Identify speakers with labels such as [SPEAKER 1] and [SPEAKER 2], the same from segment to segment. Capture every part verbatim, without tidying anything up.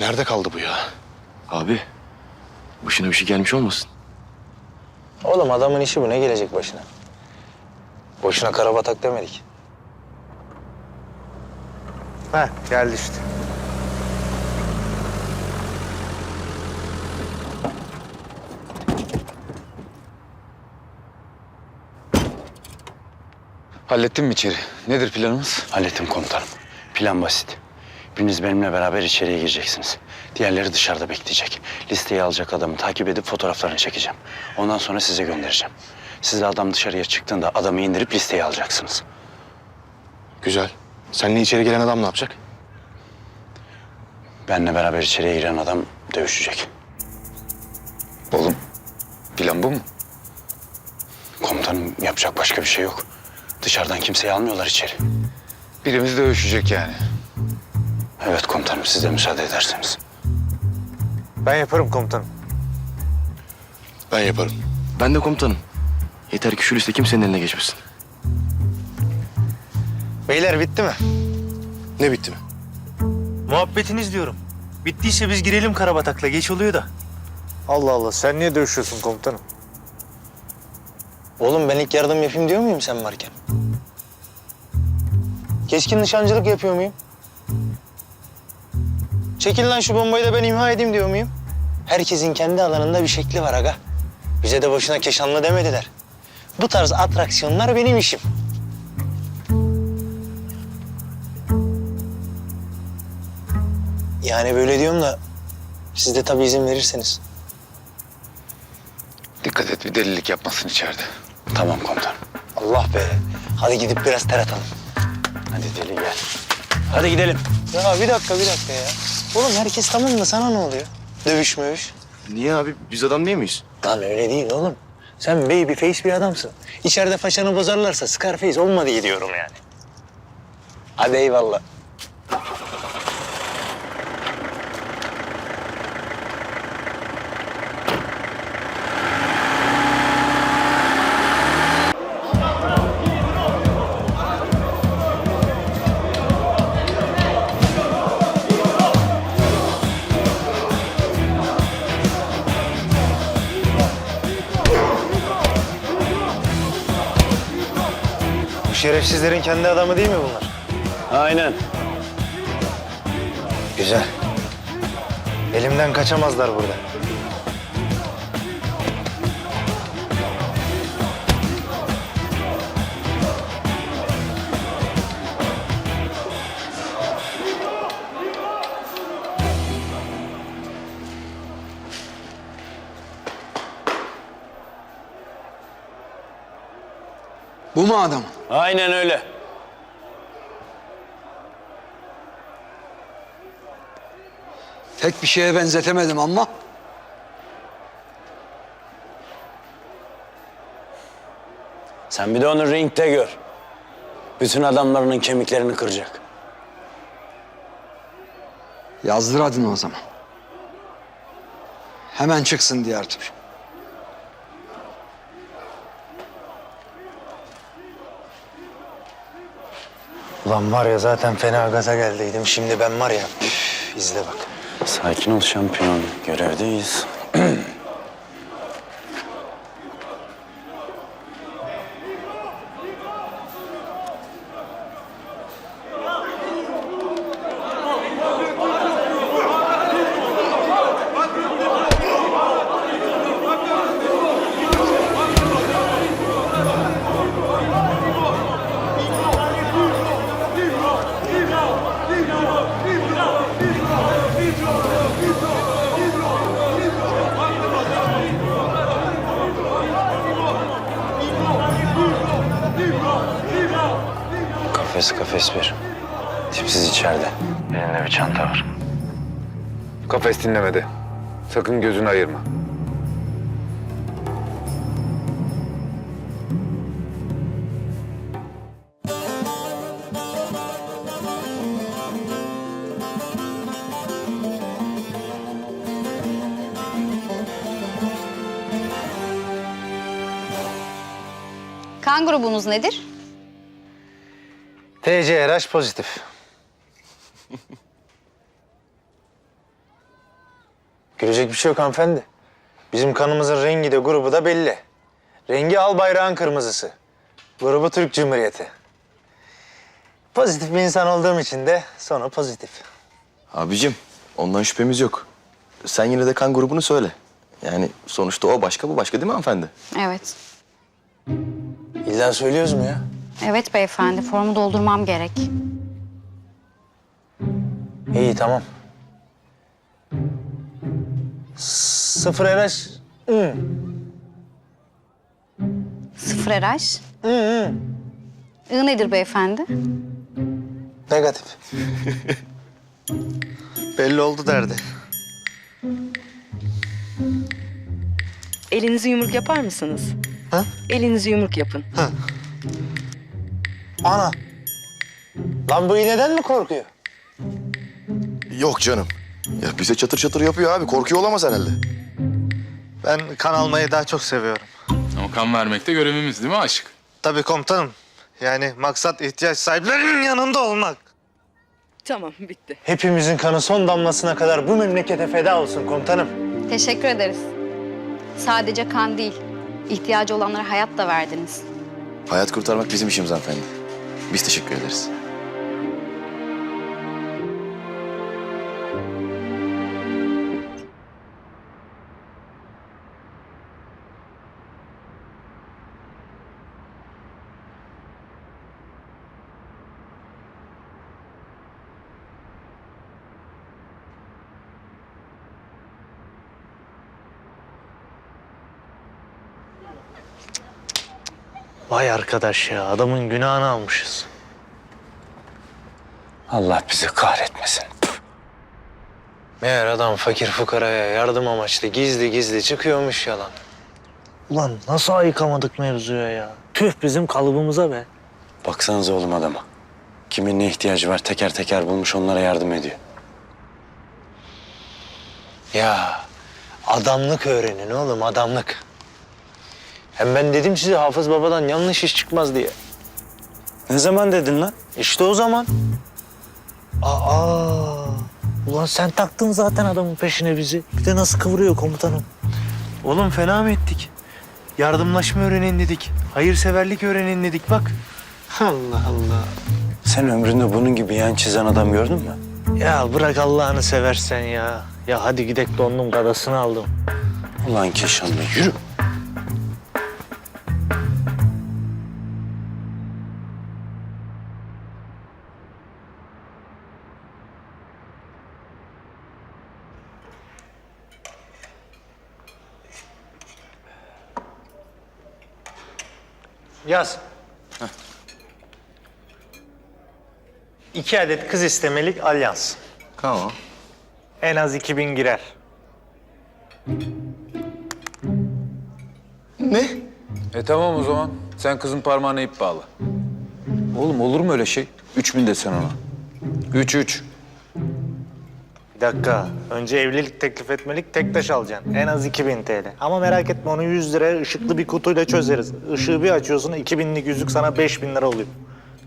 [SPEAKER 1] Nerede kaldı bu ya?
[SPEAKER 2] Abi, başına bir şey gelmiş olmasın?
[SPEAKER 3] Oğlum adamın işi bu. Ne gelecek başına? Boşuna karabatak demedik. Heh, geldi işte.
[SPEAKER 4] Hallettin mi içeri? Nedir planımız?
[SPEAKER 5] Hallettim komutanım. Plan basit. Biriniz benimle beraber içeriye gireceksiniz. Diğerleri dışarıda bekleyecek. Listeyi alacak adamı takip edip fotoğraflarını çekeceğim. Ondan sonra size göndereceğim. Siz de adam dışarıya çıktığında adamı indirip listeyi alacaksınız.
[SPEAKER 1] Güzel. Seninle içeri gelen adam ne yapacak?
[SPEAKER 5] Benimle beraber içeriye giren adam dövüşecek.
[SPEAKER 4] Oğlum, plan bu mu?
[SPEAKER 5] Komutanım yapacak başka bir şey yok. Dışarıdan kimseyi almıyorlar içeri.
[SPEAKER 4] Birimiz dövüşecek yani.
[SPEAKER 5] Evet komutanım, siz de müsaade ederseniz.
[SPEAKER 3] Ben yaparım komutanım.
[SPEAKER 1] Ben yaparım.
[SPEAKER 2] Ben de komutanım. Yeter ki şu liste kimsenin eline geçmesin.
[SPEAKER 3] Beyler bitti mi?
[SPEAKER 1] Ne bitti mi?
[SPEAKER 3] Muhabbetiniz diyorum. Bittiyse biz girelim karabatakla. Geç oluyor da. Allah Allah. Sen niye dövüşüyorsun komutanım? Oğlum ben ilk yardım yapayım diyor muyum sen varken? Keskin nişancılık yapıyor muyum? Çekil lan şu bombayı da ben imha edeyim diyor muyum? Herkesin kendi alanında bir şekli var aga. Bize de boşuna Keşanlı demediler. Bu tarz atraksiyonlar benim işim. Yani böyle diyorum da siz de tabii izin verirseniz.
[SPEAKER 4] Dikkat et bir delilik yapmasın içeride.
[SPEAKER 5] Tamam komutanım.
[SPEAKER 3] Allah be. Hadi gidip biraz ter atalım.
[SPEAKER 5] Hadi deli gel. Hadi gidelim.
[SPEAKER 3] Ya bir dakika bir dakika ya. Oğlum herkes tamam da sana ne oluyor? Dövüş mövüş.
[SPEAKER 2] Niye abi? Biz adam değil miyiz?
[SPEAKER 3] Lan öyle değil oğlum. Sen baby face bir adamsın. İçeride faşanı bozarlarsa Scarface olma diye diyorum yani. Hadi eyvallah. Bu şerefsizlerin kendi adamı değil mi bunlar?
[SPEAKER 5] Aynen.
[SPEAKER 3] Güzel. Elimden kaçamazlar burada.
[SPEAKER 4] Bu mu adam?
[SPEAKER 5] Aynen öyle.
[SPEAKER 6] Tek bir şeye benzetemedim ama
[SPEAKER 5] Sen bir de onu ringde gör. Bütün adamlarının kemiklerini kıracak.
[SPEAKER 6] yazdır adını o zaman. Hemen çıksın diğer tur.
[SPEAKER 3] Ulan var ya zaten fena gaza geldiydim. Şimdi ben var ya üf, izle bak.
[SPEAKER 5] Sakin ol şampiyon. Görevdeyiz. Kafes kafes bir. Tipsiz içeride. Elinde bir çanta var.
[SPEAKER 4] Kafes dinlemedi. Sakın gözünü ayırma.
[SPEAKER 7] Kan grubunuz nedir?
[SPEAKER 3] T C R H pozitif. Gülecek bir şey yok hanımefendi. Bizim kanımızın rengi de grubu da belli. Rengi al bayrağın kırmızısı. Grubu Türk Cumhuriyeti. Pozitif bir insan olduğum için de sonu pozitif.
[SPEAKER 2] Abicim ondan şüphemiz yok. Sen yine de kan grubunu söyle. Yani sonuçta o başka bu başka değil mi hanımefendi?
[SPEAKER 7] Evet.
[SPEAKER 3] İlla söylüyoruz mu ya?
[SPEAKER 7] Evet beyefendi, formu doldurmam gerek.
[SPEAKER 3] İyi tamam. Sıfır R H. Hı.
[SPEAKER 7] Sıfır R H.
[SPEAKER 3] Hı hı.
[SPEAKER 7] I nedir beyefendi?
[SPEAKER 3] Negatif.
[SPEAKER 1] Belli oldu derdi.
[SPEAKER 8] Elinizi yumruk yapar mısınız?
[SPEAKER 3] Ha?
[SPEAKER 8] Elinizi yumruk yapın.
[SPEAKER 3] Ana. Lan bu iğneden mi korkuyor?
[SPEAKER 2] Yok canım. Ya bize çatır çatır yapıyor abi. Korkuyor olamaz herhalde.
[SPEAKER 1] Ben kan almayı daha çok seviyorum.
[SPEAKER 9] Ama kan vermek de görevimiz değil mi aşık?
[SPEAKER 1] Tabii komutanım. Yani maksat ihtiyaç sahiplerinin yanında olmak.
[SPEAKER 8] Tamam, bitti.
[SPEAKER 3] Hepimizin kanı son damlasına kadar bu memlekete feda olsun komutanım.
[SPEAKER 7] Teşekkür ederiz. Sadece kan değil, ihtiyacı olanlara hayat da verdiniz.
[SPEAKER 2] Hayat kurtarmak bizim işimiz hanımefendi. Biz teşekkür ederiz.
[SPEAKER 3] Vay arkadaş ya, adamın günahını almışız.
[SPEAKER 6] Allah bizi kahretmesin.
[SPEAKER 3] Meğer adam fakir fukaraya yardım amaçlı gizli gizli çıkıyormuş yalan. Ulan nasıl ayıkamadık mevzuya ya? Tüh bizim kalıbımıza be.
[SPEAKER 5] Baksanıza oğlum adama. Kimin ne ihtiyacı var teker teker bulmuş onlara yardım ediyor.
[SPEAKER 3] Ya adamlık öğrenin oğlum adamlık. Hem ben dedim size Hafız Baba'dan yanlış iş çıkmaz diye.
[SPEAKER 5] Ne zaman dedin lan?
[SPEAKER 3] İşte o zaman. Aa, ulan sen taktın zaten adamın peşine bizi. Bir de nasıl kıvırıyor komutanım. Oğlum fena mı ettik? Yardımlaşma öğrenin dedik. Hayırseverlik öğrenin dedik bak. Allah Allah.
[SPEAKER 5] Sen ömründe bunun gibi yan çizen adam gördün mü?
[SPEAKER 3] Ya bırak Allah'ını seversen ya. Ya hadi gidek dondum kadasını aldım.
[SPEAKER 5] Ulan Keşanlı yürü.
[SPEAKER 3] Yaz. İki adet kız istemelik alyans.
[SPEAKER 2] Tamam.
[SPEAKER 3] En az iki bin girer.
[SPEAKER 2] Ne?
[SPEAKER 4] E tamam o zaman. Sen kızın parmağına ip bağla. Oğlum olur mu öyle şey? Üç bin desen ona. Üç üç.
[SPEAKER 3] Bir dakika. Önce evlilik teklif etmelik tek taş alacaksın. En az iki bin T L. Ama merak etme onu yüz liraya ışıklı bir kutuyla çözeriz. Işığı bir açıyorsun iki binlik yüzük sana beş bin lira oluyor.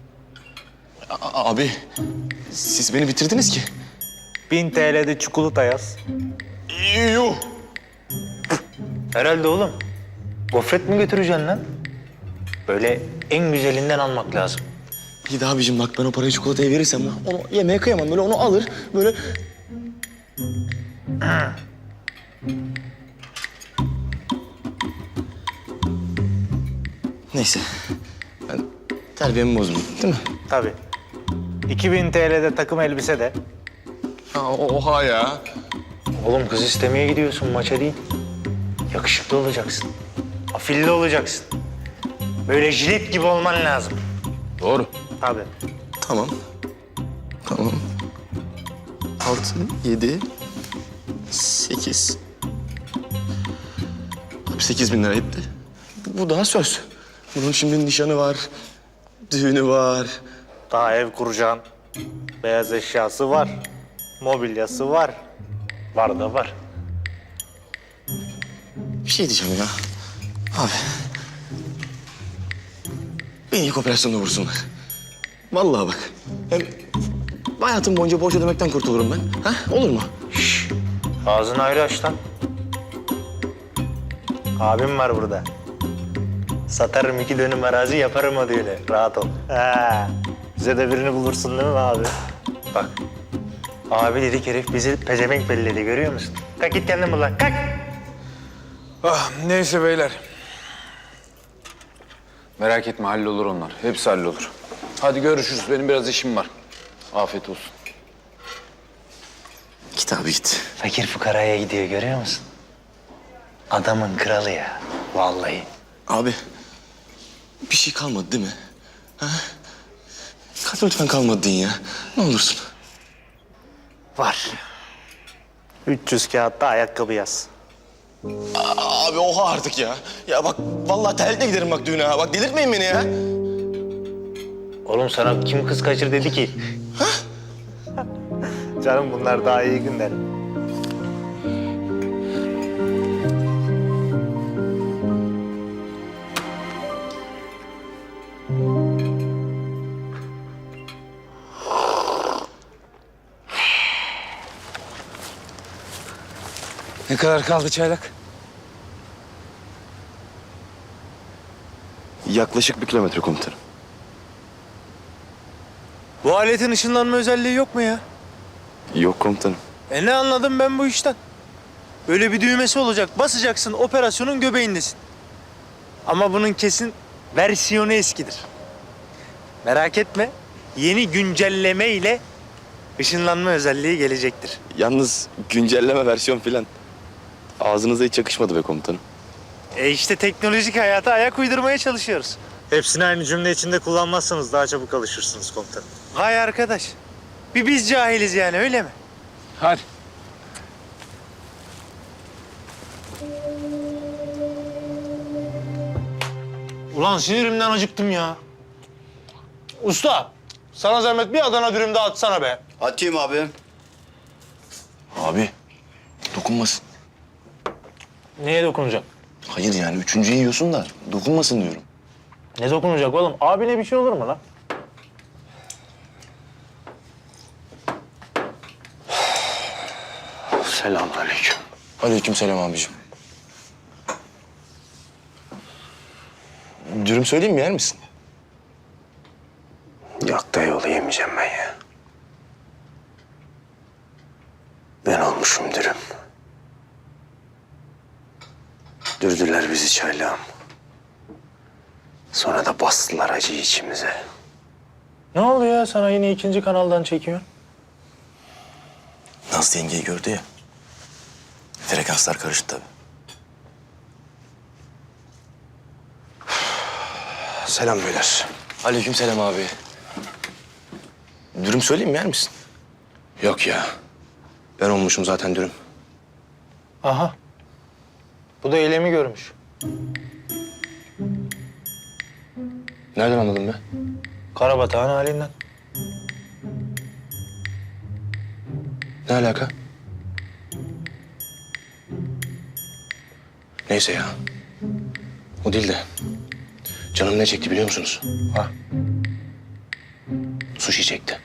[SPEAKER 2] A- abi siz beni bitirdiniz ki.
[SPEAKER 3] bin T L'de çikolata yaz.
[SPEAKER 2] Yuh.
[SPEAKER 3] Herhalde oğlum. Gofret mi götüreceksin lan? Böyle en güzelinden almak lazım.
[SPEAKER 2] Bir daha abicim bak ben o parayı çikolataya verirsem onu yemeye kıyamam. Böyle onu alır böyle... Neyse. Ben terbiyemi bozdum değil mi?
[SPEAKER 3] Tabii. iki bin T L'de takım elbise de.
[SPEAKER 2] Ha, oha ya.
[SPEAKER 3] Oğlum kız istemeye gidiyorsun maça değil. Yakışıklı olacaksın. Afilli olacaksın. Böyle jilet gibi olman lazım.
[SPEAKER 2] Doğru.
[SPEAKER 3] Tabii.
[SPEAKER 2] Tamam. Tamam. Altı, yedi, sekiz. Abi sekiz bin lira etti. Bu, bu daha söz. Bunun şimdi nişanı var, düğünü var.
[SPEAKER 3] Daha ev kuracaksın. Beyaz eşyası var. Mobilyası var. Var da var.
[SPEAKER 2] Bir şey diyeceğim ya. Abi. Beni ilk operasyonda vursunlar. Vallahi bak. Hem hayatım boyunca borç ödemekten kurtulurum ben. Ha? Olur mu?
[SPEAKER 3] Ağzını ayrı aç lan. Abim var burada. Satarım iki dönüm arazi yaparım o düğünü. Rahat ol. Ha, bize de birini bulursun değil mi abi? Bak. Abi dedik herif bizi pezevenk belledi görüyor musun? Kalk git kendin bul lan kalk.
[SPEAKER 4] Ah, neyse beyler. Merak etme hallolur onlar. Hepsi hallolur. Hadi görüşürüz. Benim biraz işim var. Afiyet olsun.
[SPEAKER 2] Git abi git.
[SPEAKER 3] Fakir fukaraya gidiyor görüyor musun? Adamın kralı ya. Vallahi.
[SPEAKER 2] Abi bir şey kalmadı değil mi? Ha? Kalk lütfen kalmadı deyin ya. Ne olursun.
[SPEAKER 3] Var. üç yüz kağıtta ayakkabı yaz.
[SPEAKER 2] Abi oha artık ya. Ya bak vallahi terlikle giderim bak düğüne ha. Bak delirtmeyin beni ya.
[SPEAKER 3] Oğlum sana kim kız kaçır dedi ki? Canım bunlar daha iyi günler.
[SPEAKER 4] Ne kadar kaldı çaylak?
[SPEAKER 2] Yaklaşık bir kilometre komutanım.
[SPEAKER 3] Bu aletin ışınlanma özelliği yok mu ya?
[SPEAKER 2] Yok komutanım.
[SPEAKER 3] E ne anladım ben bu işten? Böyle bir düğmesi olacak. Basacaksın operasyonun göbeğindesin. Ama bunun kesin versiyonu eskidir. Merak etme. Yeni güncelleme ile ışınlanma özelliği gelecektir.
[SPEAKER 2] Yalnız güncelleme versiyon filan. Ağzınıza hiç yakışmadı be komutanım.
[SPEAKER 3] E işte teknolojik hayata ayak uydurmaya çalışıyoruz. Hepsini aynı cümle içinde kullanmazsanız daha çabuk alışırsınız komutanım. Hay arkadaş. Bir biz cahiliz yani öyle mi?
[SPEAKER 4] Hadi.
[SPEAKER 3] Ulan sinirimden acıktım ya. Usta, sana zahmet bir Adana dürüm daha atsana be.
[SPEAKER 6] Atayım abi.
[SPEAKER 2] Abi dokunmasın.
[SPEAKER 3] Neye dokunacak?
[SPEAKER 2] Hayır yani üçüncüyü yiyorsun da dokunmasın diyorum.
[SPEAKER 3] Ne dokunacak oğlum? Abine bir şey olur mu lan?
[SPEAKER 5] Selamünaleyküm.
[SPEAKER 2] Aleykümselam abicim. Dürüm söyleyeyim mi yer misin?
[SPEAKER 5] Yok dayıoğlu yemeyeceğim ben ya. Ben olmuşum dürüm. Dürdüler bizi çaylağım. Sonra da bastılar acıyı içimize.
[SPEAKER 3] Ne oluyor ya sana yine ikinci kanaldan çekiyor?
[SPEAKER 2] Nazlı yengeyi gördü ya. Frekanslar karıştı tabii.
[SPEAKER 5] Selam beyler.
[SPEAKER 2] Aleykümselam abi. Dürüm söyleyeyim mi yer misin?
[SPEAKER 5] Yok ya. Ben olmuşum zaten dürüm.
[SPEAKER 3] Aha. Bu da eylemi görmüş.
[SPEAKER 2] Nereden anladın be?
[SPEAKER 3] Karabatağın halinden.
[SPEAKER 5] Ne alaka? Neyse ya. O değil de. Canım ne çekti biliyor musunuz?
[SPEAKER 3] Ha.
[SPEAKER 5] Sushi çekti.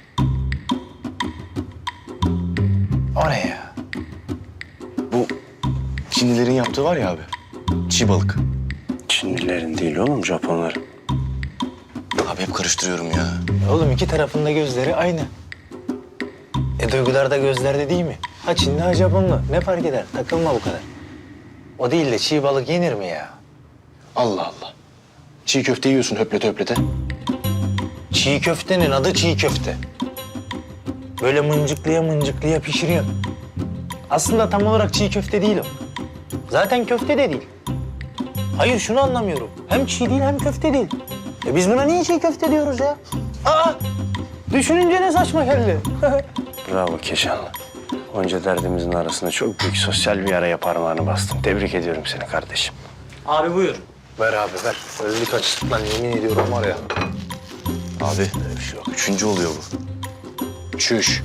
[SPEAKER 3] O ne ya?
[SPEAKER 2] Bu Çinlilerin yaptığı var ya abi. Çiğ balık.
[SPEAKER 5] Çinlilerin değil oğlum, Japonların.
[SPEAKER 2] Abi hep karıştırıyorum ya.
[SPEAKER 3] Oğlum iki tarafında gözleri aynı. E duygular da gözlerde değil mi? Ha Çinli ha Japonlu. Ne fark eder? Takılma bu kadar. O değil de çiğ balık yenir mi ya?
[SPEAKER 5] Allah Allah. Çiğ köfte yiyorsun höplete höplete.
[SPEAKER 3] Çiğ köftenin adı çiğ köfte. Böyle mıncıklıya mıncıklıya pişiriyor. Aslında tam olarak çiğ köfte değil o. Zaten köfte de değil. Hayır şunu anlamıyorum. Hem çiğ değil hem köfte değil. E biz buna niye çiğ köfte diyoruz ya? Aa! Düşününce ne saçma geldi.
[SPEAKER 5] Bravo Keşanlı. Onca derdimizin arasında çok büyük sosyal bir araya parmağını bastın. Tebrik ediyorum seni kardeşim.
[SPEAKER 3] Abi buyur. Ver abi ver. Öldük açlıktan yemin ediyorum var ya.
[SPEAKER 2] Abi üçüncü oluyor bu.
[SPEAKER 5] Çüş.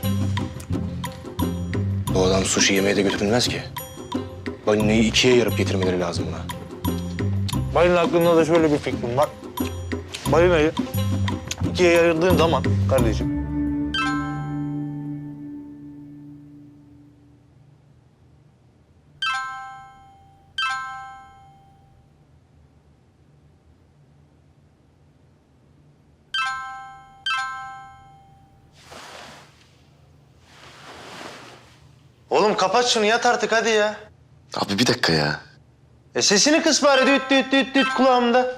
[SPEAKER 5] Bu adam sushi yemeye de götürülmez ki. Balinayı ikiye yarıp getirmeleri lazım buna.
[SPEAKER 3] Benim aklımda da şöyle bir fikrim var. Balinayı ikiye ayırdığın zaman kardeşim. Oğlum kapat şunu, yat artık hadi ya.
[SPEAKER 2] Abi bir dakika ya.
[SPEAKER 3] E sesini kıs bari, düt düt düt düt kulağımda.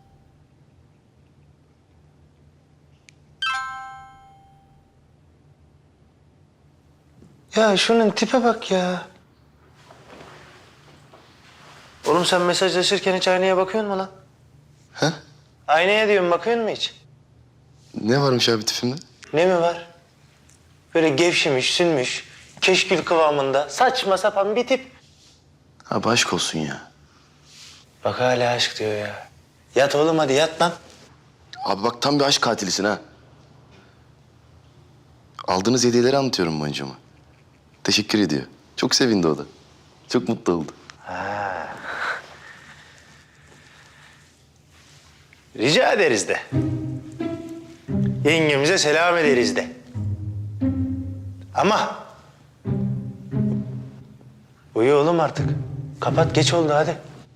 [SPEAKER 3] Ya şunun tipe bak ya. Oğlum sen mesajlaşırken hiç aynaya bakıyor musun lan?
[SPEAKER 2] He?
[SPEAKER 3] Aynaya diyorum, bakıyor musun hiç?
[SPEAKER 2] Ne varmış abi tipimde?
[SPEAKER 3] Ne mi var? Böyle gevşemiş, sünmüş, keşkül kıvamında saçma sapan bir tip.
[SPEAKER 2] Abi aşk olsun ya.
[SPEAKER 3] Bak hala aşk diyor ya. Yat oğlum hadi, yat lan.
[SPEAKER 2] Abi bak tam bir aşk katilisin ha. Aldığınız hediyeleri anlatıyorum boncuğuma. Teşekkür ediyor. Çok sevindi o da. Çok mutlu oldu.
[SPEAKER 3] Rica ederiz de. Yengemize selam ederiz de. Ama... Uyu oğlum artık. Kapat, geç oldu hadi.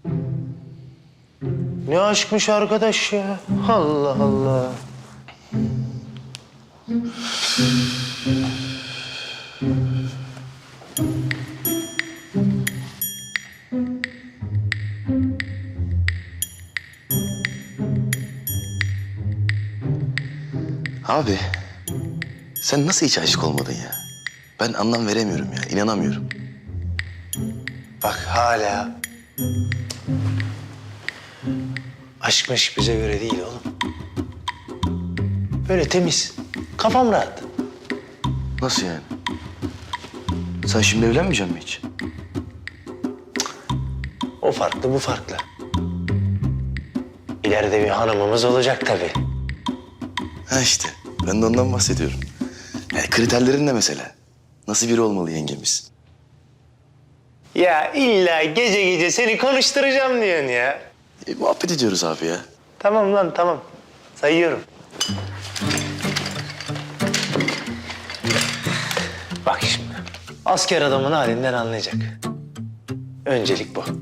[SPEAKER 3] Ne aşkmış arkadaş ya. Allah Allah.
[SPEAKER 2] Abi sen nasıl hiç aşık olmadın ya? Ben anlam veremiyorum ya. İnanamıyorum.
[SPEAKER 3] Bak hala. Aşkmış bize göre değil oğlum. Böyle temiz. Kafam rahat.
[SPEAKER 2] Nasıl yani? Sen şimdi evlenmeyecek misin hiç?
[SPEAKER 3] O farklı, bu farklı. İleride bir hanımımız olacak tabii.
[SPEAKER 2] Ha işte. Ben de ondan bahsediyorum. Yani kriterlerin ne mesela? Nasıl biri olmalı yengemiz?
[SPEAKER 3] Ya illa gece gece seni konuşturacağım diyorsun ya.
[SPEAKER 2] E, muhabbet ediyoruz abi ya.
[SPEAKER 3] Tamam lan, tamam. Sayıyorum. Bak şimdi. Asker adamın halinden anlayacak. Öncelik bu.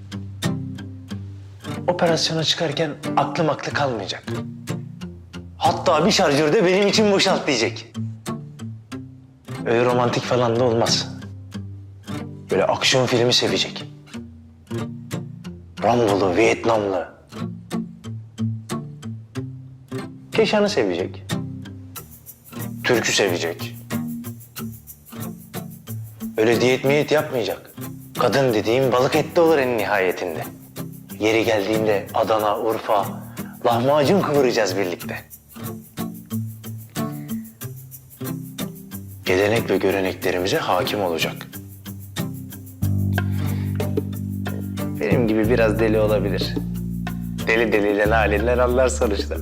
[SPEAKER 3] Operasyona çıkarken aklım aklı kalmayacak. Hatta bir şarjörde benim için boşalt diyecek. Öyle romantik falan da olmaz. Böyle aksiyon filmi sevecek. Rambolu, Vietnamlı. Keşan'ı sevecek. Türk'ü sevecek. Öyle diyet miyet yapmayacak. Kadın dediğim balık etli olur en nihayetinde. Yeri geldiğinde Adana, Urfa, lahmacun kıvıracağız birlikte. Gelenek ve göreneklerimize hakim olacak. Benim gibi biraz deli olabilir. Deli deliyle halinden anlar sonuçta.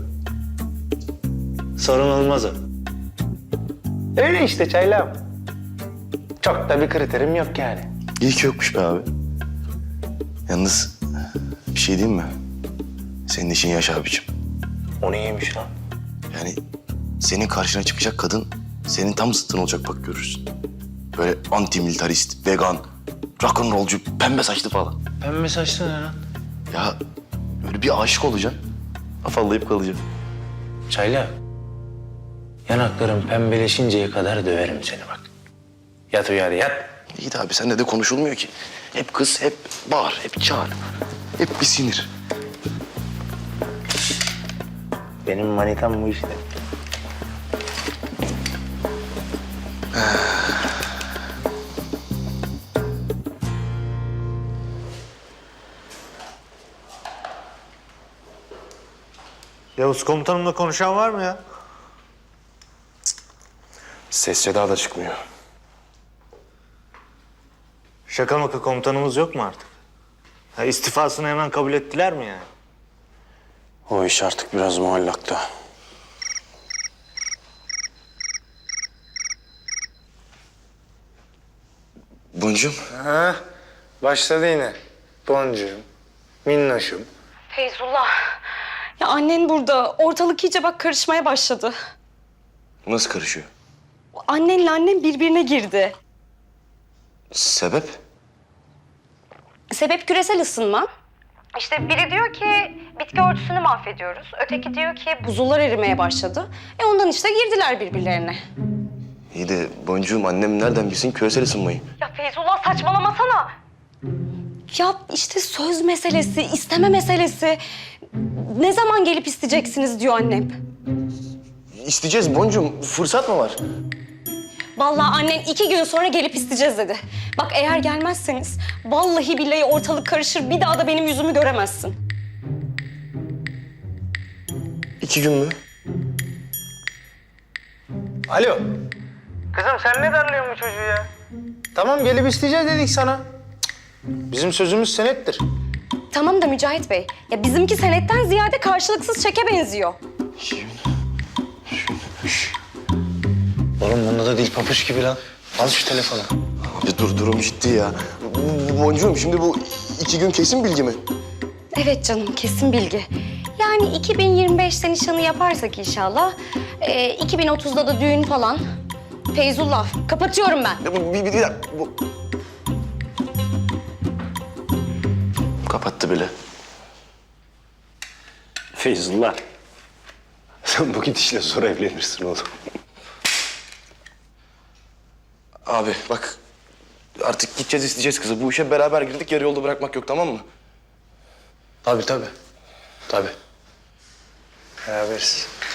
[SPEAKER 3] Sorun olmaz o. Öyle işte çaylağım. Çok da bir kriterim yok yani.
[SPEAKER 2] İyi ki yokmuş be abi. Yalnız bir şey diyeyim mi? Senin işin yaş abicim.
[SPEAKER 3] O neymiş lan?
[SPEAKER 2] Yani senin karşına çıkacak kadın senin tam zıttın olacak bak görürsün. Böyle anti-militarist, vegan, rock'n'rollcu, pembe saçlı falan.
[SPEAKER 3] Pembe saçlı ne lan?
[SPEAKER 2] Ya böyle bir aşık olacaksın. Afallayıp kalacaksın.
[SPEAKER 3] Çaylağım. Yanaklarım pembeleşinceye kadar döverim seni bak. Yat uyu hadi, yat.
[SPEAKER 2] İyi de abi seninle de konuşulmuyor ki. Hep kız, hep bağır, hep çağır. Hep bir sinir.
[SPEAKER 3] Benim manitam bu işte.
[SPEAKER 1] Yavuz komutanımla konuşan var mı ya?
[SPEAKER 2] Ses seda da çıkmıyor.
[SPEAKER 1] Şaka maka komutanımız yok mu artık? Ha, istifasını hemen kabul ettiler mi yani?
[SPEAKER 5] O iş artık biraz muallakta.
[SPEAKER 2] Boncuğum.
[SPEAKER 3] Ha, başladı yine. Boncuğum, minnoşum.
[SPEAKER 10] Feyzullah. Ya annen burada. Ortalık iyice bak karışmaya başladı.
[SPEAKER 2] Nasıl karışıyor?
[SPEAKER 10] Annenle annem birbirine girdi.
[SPEAKER 2] Sebep?
[SPEAKER 10] Sebep küresel ısınma. İşte biri diyor ki bitki örtüsünü mahvediyoruz. Öteki diyor ki buzullar erimeye başladı. E ondan işte girdiler birbirlerine.
[SPEAKER 2] İyi de boncuğum annem nereden bilsin küresel ısınmayı?
[SPEAKER 10] Ya Feyzullah saçmalamasana. Ya işte söz meselesi, isteme meselesi. Ne zaman gelip isteyeceksiniz diyor annem.
[SPEAKER 2] İsteyeceğiz boncuğum. Fırsat mı var?
[SPEAKER 10] Vallahi annen iki gün sonra gelip isteyeceğiz dedi. Bak eğer gelmezseniz vallahi billahi ortalık karışır, bir daha da benim yüzümü göremezsin.
[SPEAKER 2] İki gün mü?
[SPEAKER 3] Alo. Kızım sen ne darlıyorsun bu çocuğu ya? Tamam gelip isteyeceğiz dedik sana. Cık, bizim sözümüz senettir.
[SPEAKER 10] Tamam da Mücahit Bey, ya bizimki senetten ziyade karşılıksız çeke benziyor.
[SPEAKER 2] İki gün.
[SPEAKER 3] Oğlum bunda da dil papuç gibi lan. Al şu telefonu.
[SPEAKER 2] Abi dur durum ciddi ya. Bu- bu Boncuğum şimdi bu iki gün kesin bilgi mi?
[SPEAKER 10] Evet canım, kesin bilgi. Yani iki bin yirmi beşte nişanı yaparsak inşallah, e, iki bin otuzda da düğün falan. Feyzullah, kapatıyorum ben.
[SPEAKER 2] Ya bu, bir, bir, bir dakika, bu... Kapattı bile.
[SPEAKER 3] Feyzullah. Sen bu gidişle zor evlenirsin oğlum.
[SPEAKER 2] Abi bak artık gideceğiz isteyeceğiz kızı. Bu işe beraber girdik yarı yolda bırakmak yok tamam mı?
[SPEAKER 3] Tabii tabii. Tabii. Beraberiz.